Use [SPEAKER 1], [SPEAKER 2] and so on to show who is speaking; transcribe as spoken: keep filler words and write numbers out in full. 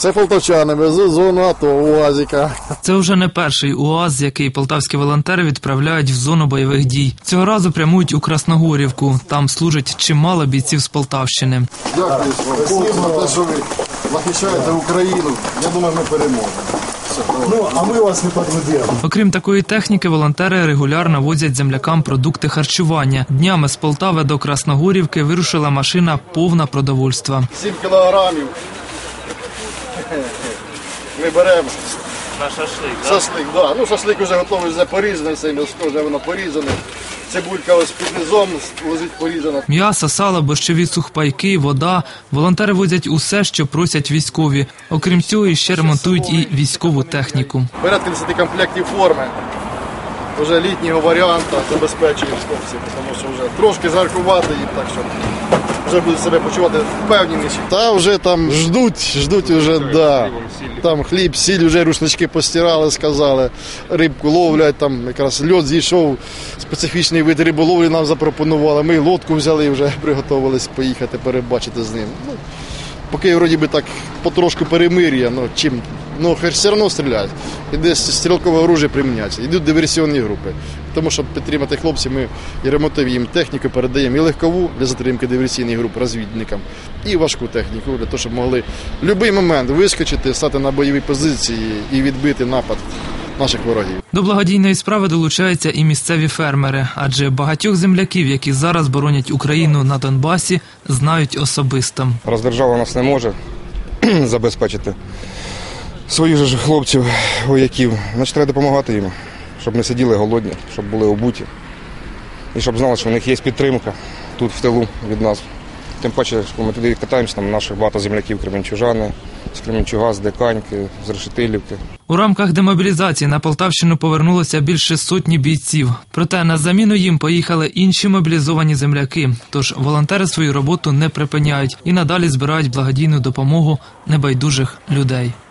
[SPEAKER 1] Це полтавчани везуть зону АТО, УАЗика.
[SPEAKER 2] Це вже не перший УАЗ, який полтавські волонтери відправляють в зону бойових дій. Цього разу прямують у Красногорівку. Там служить чимало бійців з Полтавщини.
[SPEAKER 1] Дякую вам за те, що ви захищаєте Україну. Я думаю, ми переможемо.
[SPEAKER 3] Ну, а ми вас не підведемо.
[SPEAKER 2] Окрім такої техніки, волонтери регулярно возять землякам продукти харчування. Днями з Полтави до Красногорівки вирушила машина повна продовольства.
[SPEAKER 1] Сім кілограмів. Ми беремо.
[SPEAKER 4] На шашлик, так?
[SPEAKER 1] Шашлик, так. Да. Ну, шашлик вже готовий, вже порізаний, все м'ясо вже воно порізане. Цибулька ось під низом лежить порізана.
[SPEAKER 2] М'ясо, сало, борщові сухпайки, вода. Волонтери возять усе, що просять військові. Окрім цього, іще ремонтують і військову техніку.
[SPEAKER 1] Порядка десяти комплектів форми. Вже літнього варіанту забезпечують хлопців, тому що вже трошки жаркувати їм, так що вже будуть себе почувати впевненіші. Та вже там ждуть, ждуть вже, да. Там хліб, сіль, вже рушнички постирали, сказали, рибку ловлять, там якраз льод зійшов, специфічний вид риболовлі нам запропонували. Ми лодку взяли і вже приготувалися поїхати, перебачити з ним. Ну, поки вроді би так потрошку перемир'я, ну чим, ну все одно стріляють. І десь стрілкове оружие приміняється. Йдуть диверсіонні групи. Тому, щоб підтримати хлопців, ми і ремонтуємо їм техніку, передаємо і легкову для затримки диверсійних груп розвідникам, і важку техніку, для того, щоб могли в будь-який момент вискочити, стати на бойові позиції і відбити напад наших ворогів.
[SPEAKER 2] До благодійної справи долучаються і місцеві фермери, адже багатьох земляків, які зараз боронять Україну на Донбасі, знають особисто.
[SPEAKER 5] Роздержава нас не може забезпечити своїх же хлопців, вояків. Значить, треба допомагати їм, щоб не сиділи голодні, щоб були обуті. І щоб знали, що в них є підтримка тут в тилу від нас. Тим паче, що ми туди катаємося, там наших багато земляків кременчужани, з Кременчуга, з Диканьки, з Решетилівки.
[SPEAKER 2] У рамках демобілізації на Полтавщину повернулося більше сотні бійців. Проте на заміну їм поїхали інші мобілізовані земляки. Тож волонтери свою роботу не припиняють і надалі збирають благодійну допомогу небайдужих людей.